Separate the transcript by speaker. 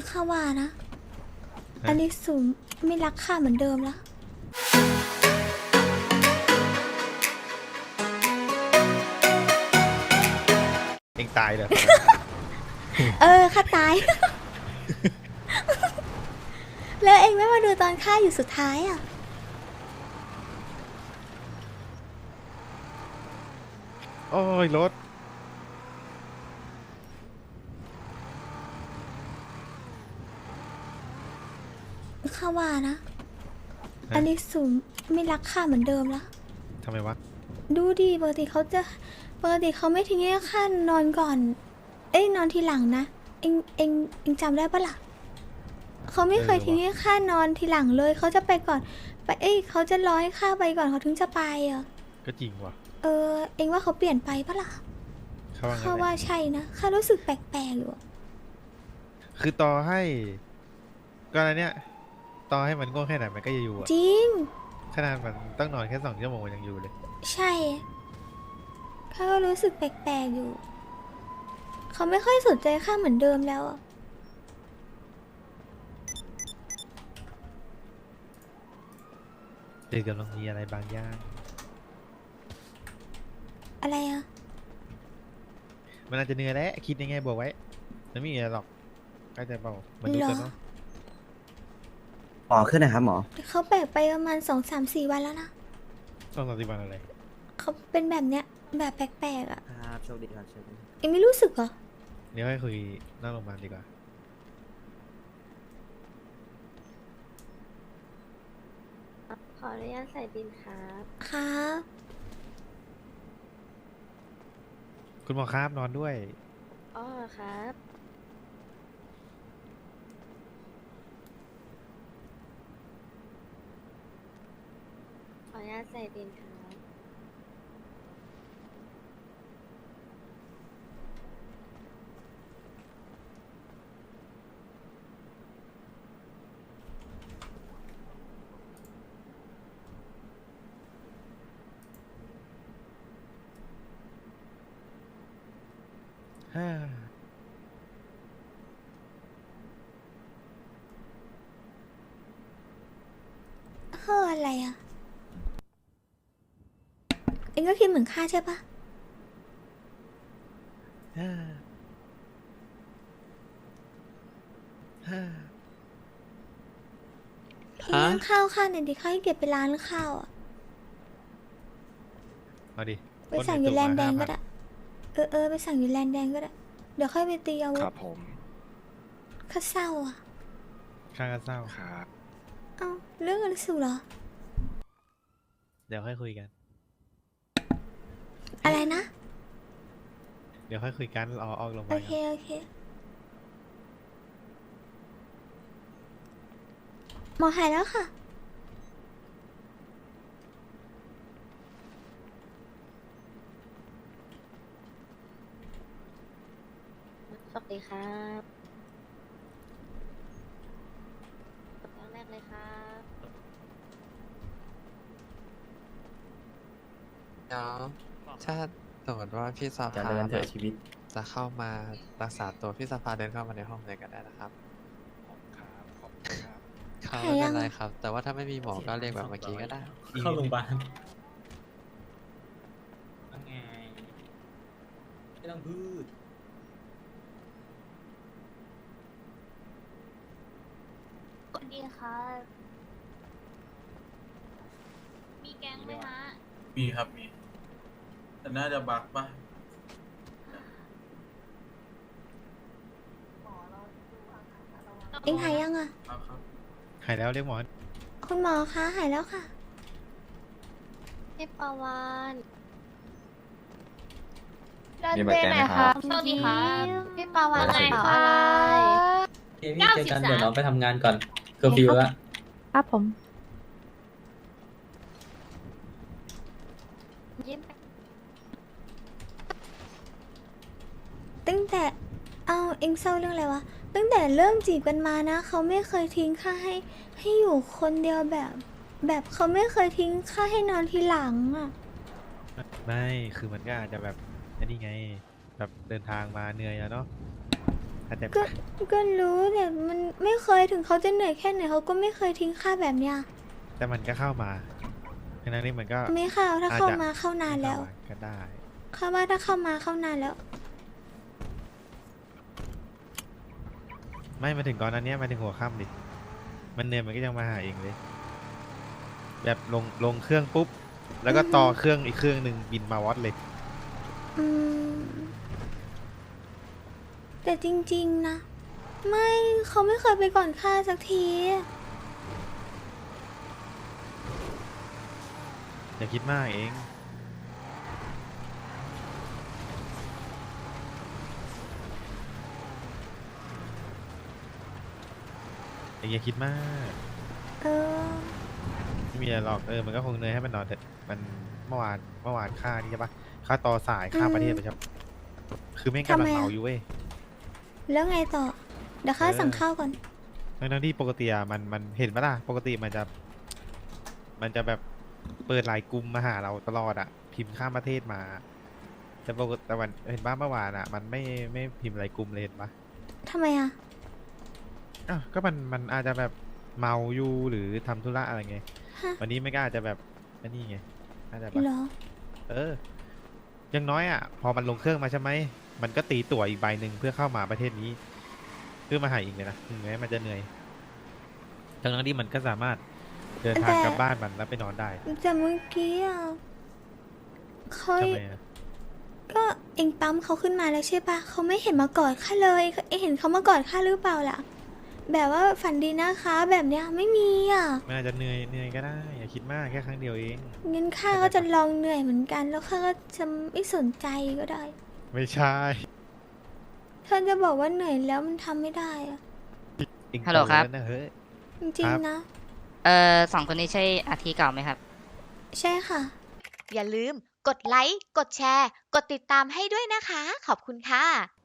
Speaker 1: ข้าว่านะ อันนี้สูงไม่รักข้าเหมือนเดิมแล้ว
Speaker 2: เองตายเลย
Speaker 1: ข้าตาย แล้วเองไม่มาดูตอนข้าอยู่สุดท้ายอ่ะ
Speaker 2: โอ้ยรถ
Speaker 1: ข้าว่านะ อันนี้สูงไม่รักข้าเหมือนเดิมแล้ว
Speaker 2: ทำไมวะ
Speaker 1: ดูดิปกติเขาไม่ทิ้งให้ข้านอนก่อน นอนทีหลังนะ เองจำได้ปะล่ะ เขาไม่เคยทิ้งให้ข้านอนทีหลังเลย เขาจะไปก่อน เขาจะรอให้ข้าไปก่อนเขาถึงจะไปอ่ะ
Speaker 2: ก็จริงว่ะ
Speaker 1: เองว่าเขาเปลี่ยนไปปะล่ะ
Speaker 2: เขาว่าไง
Speaker 1: ข้าว่าใช่นะ ข้ารู้สึกแปลกๆอยู่อะ
Speaker 2: คือต่อให้ก็อะไรเนี่ยต่อให้มันโง่แค่ไหนมันก็จะอยู่อะ
Speaker 1: จริง
Speaker 2: ขนาดมันต้องนอนแค่2 ชั่วโมงมันยังอยู่เลย
Speaker 1: ใช่ ข้าก็รู้สึกแปลกๆอยู่ เขาไม่ค่อยสนใจข้าเหมือนเดิมแล้วอะ
Speaker 2: เจอกำลังมีอะไรบางอย่าง
Speaker 1: อะไรอะ
Speaker 2: มันอาจจะเหนื่อยแล้วคิดยังไงบอกไว้มันไม่มีอะไรหรอกก็จะเปล่ามันดูกันเนาะ
Speaker 3: หมอขึ้นนะครับหมอ
Speaker 1: แต่เขาแปลกไปประมาณ2-3-4 วันแล้วนะ
Speaker 2: ต้อง30 วันอะไร
Speaker 1: เขาเป็นแบบเนี้ย แบบแปลกๆอะ
Speaker 3: ครับโชคดีครับโชคดี
Speaker 1: เองไม่รู้สึกเหรอ
Speaker 2: เดี๋ยวให้คุยหน้าโรงพยาบาลดีกว่า
Speaker 4: ขออนุญาตใส่บินครับ
Speaker 1: ครับ
Speaker 2: คุณหมอครับนอนด้วย
Speaker 4: อ๋อครับ ขออนุญาตใส่บินครับ
Speaker 2: ฮ่า
Speaker 1: อะไรอะเองก็คิดเหมือนข้าใช่ปะ
Speaker 2: ฮ่าฮ่า
Speaker 1: เองนั่งข้าวข้าเนี่ยดิข้าให้เก็บไปร้านข้าวอะ
Speaker 2: เอาดิ
Speaker 1: ไปสั่งอยู่แลนด์แดงก็ได้ ไปสั่งอยู่แลนด์แดงก็ได้ เดี๋ยวค่อยไปตีอาวุ
Speaker 5: ค
Speaker 1: ธ
Speaker 5: รับผม
Speaker 1: ข้าเศร้าอะ
Speaker 2: ข้างก็เศร้า
Speaker 5: ครับ
Speaker 1: เอ้าเรื่องอะไรสุดเหรอ
Speaker 2: เดี๋ยวค่อยคุยกัน
Speaker 1: อะไรนะ
Speaker 2: เดี๋ยวค่อยคุยกันรอออกโรงพยาาล
Speaker 1: โอบเค
Speaker 2: ก่อน
Speaker 1: โอเค หมอหายแล้วค่ะ
Speaker 4: สวัสดีครับครั้งแรกเลยครับ
Speaker 6: เดี๋ยวถ้าสมมติว่าพี่ส
Speaker 3: จะ
Speaker 6: ภา
Speaker 3: เดินเถ
Speaker 6: แบ
Speaker 3: อะ
Speaker 6: บ
Speaker 3: ชีวิต
Speaker 6: จะเข้ามารักษาตัวพี่สภาเดินเข้ามาในห้องเลยก็ได้นะครับ
Speaker 5: ครับขอบคุณครับ
Speaker 6: ครับ
Speaker 1: หาย
Speaker 6: ไม่
Speaker 1: ยั
Speaker 6: เป็
Speaker 1: ง
Speaker 6: นไร
Speaker 1: อะ
Speaker 6: ครับ แต่ว่าถ้าไม่มีหมอก็เรียกแบบเมื่อกี้ก็ได้
Speaker 7: เข้าโรงพยาบาล
Speaker 8: ว่าไงไม่ต้องพูด
Speaker 4: สวัสดีครับ มีแก๊งไหมฮะ
Speaker 7: มีครับมี แต่น่าจะบักปะ
Speaker 1: เองหายยังอะ
Speaker 7: ครับครับ
Speaker 2: หายแล้วเรียกหมอ
Speaker 1: คุณหมอคะหายแล้วค่ะ
Speaker 4: พี่ปาวาน
Speaker 3: มีบัตรแกงไหมครับ
Speaker 4: สวัสดีครับพี่ปาวาน
Speaker 3: สวัสดี
Speaker 4: กระ
Speaker 3: ครั
Speaker 4: เป๋า
Speaker 3: บ
Speaker 4: อะไร
Speaker 8: โอเคพี่เจอกันเดี๋ยวน้องไปทำงานก่อนเคอร์ฟิวละ
Speaker 9: ครับผม
Speaker 4: ยิ้ม
Speaker 1: ตั้งแต่เองเศร้าเรื่องอะไรวะ ตั้งแต่เริ่มจีบกันมานะ เขาไม่เคยทิ้งข้าให้อยู่คนเดียวแบบเขาไม่เคยทิ้งข้าให้นอนทีหลังอะ
Speaker 2: ไม่คือมันก็อาจจะแบบอันนี้ไงแบบเดินทางมาเหนื่อยอะเนาะใครเข้าใจ
Speaker 1: ก็
Speaker 2: ปะ
Speaker 1: ก็รู้แต่มันไม่เคยถึงเขาจะเหนื่อยแค่ไหนเขาก็ไม่เคยทิ้งข้าแบบเนี้ย
Speaker 2: แต่มันก็เข้ามาดังนั้นนี่มันก็
Speaker 1: ไม่เข้าถ้า
Speaker 2: อาจจะ
Speaker 1: เข้ามาเข้านานแล้ว
Speaker 2: ไม่เข้ามาก็ได้
Speaker 1: ข้าว่าถ้าเข้ามาเข้านานแล้ว
Speaker 2: ไม่มาถึงก่อนนั้นเนี้ยมาถึงหัวค่ำดิมันเหนื่อยมันก็ยังมาหาเองเลย แบบลงเครื่องปุ๊บ แล้วก็ต่อเครื่องอีกเครื่องหนึ่งบินมาวัดเลย
Speaker 1: อืมแต่จริงๆนะ ไม่เขาไม่เคยไปก่อนข้าสักที
Speaker 2: อย่าคิดมากเองอย่าคิดมาก
Speaker 1: เออ
Speaker 2: ไม่มีอะไรหรอกมันก็คงเหนื่อยให้มันนอนเถอะมันเมื่อวานค่านี่ใช่ปะค่าต่อสายค่าประเทศไปใช่ปะคือแม่งกำลังเมาอยู่เว้ย
Speaker 1: แล้วไงต่อ เดี๋ยวข้าสั่งข้าวก่อน
Speaker 2: ทั้งที่ปกติอะมันเห็นปะล่ะปกติมันจะแบบเปิดไลน์กลุ่มมาหาเราตลอดอะพิมพ์ข้ามประเทศมาแต่ปกติแต่วันเห็นบ้างเมื่อวานอะมันไม่พิมพ์ไลน์กลุ่มเลยเห็นปะ
Speaker 1: ทำไมอ่ะ
Speaker 2: อ้าวก็มันอาจจะแบบเมาอยู่หรือทำธุระอะไรไง
Speaker 1: ฮะ
Speaker 2: วันนี้ไม่ก็อาจจะแบบอันนี้ไงอาจจะแบบ
Speaker 1: เหรอ
Speaker 2: อย่างน้อยอ่ะพอมันลงเครื่องมาใช่ไหมมันก็ตีตั๋วอีกใบหนึ่งเพื่อเข้ามาประเทศนี้ เพื่อมาหาอีกเลยนะถึงแม้มันจะเหนื่อยทั้งที่มันก็สามารถเดินทางกลับบ้านมันแล้วไปนอนได้
Speaker 1: แต่เมื่อกี้อ่ะเขา
Speaker 2: ทำไมอ่ะ
Speaker 1: ก็เองปั๊มเขาขึ้นมาแล้วใช่ปะเขาไม่เห็นมากอดข้าเลยเองเห็นเขามากอดข้าหรือเปล่าล่ะ แบบว่าฝันดีนะคะ แบบเนี้ยไม่มีอ่ะ
Speaker 2: มันอาจจะเหนื่อยก็ได้อย่าคิดมากแค่ครั้งเดียวเอง
Speaker 1: งั้นข้าก็จะลองเหนื่อยเหมือนกัน แล้วข้าก็จะไม่สนใจก็ได้
Speaker 2: ไม่ใช่
Speaker 1: ถ้าจะบอกว่าเหนื่อยแล้วมันทำไม่ได้อะ
Speaker 2: เอง
Speaker 9: ฮัลโหลครับ
Speaker 2: โตแวนะเฮ้ย
Speaker 1: จริง
Speaker 2: ครับ
Speaker 1: ๆนะ
Speaker 9: สองคนนี้ใช่อาทีเก่าไหมครับ
Speaker 1: ใช่ค่ะ
Speaker 4: อย่าลืมกดไลค์ กดแชร์ กดติดตามให้ด้วยนะคะ ขอบคุณค่ะ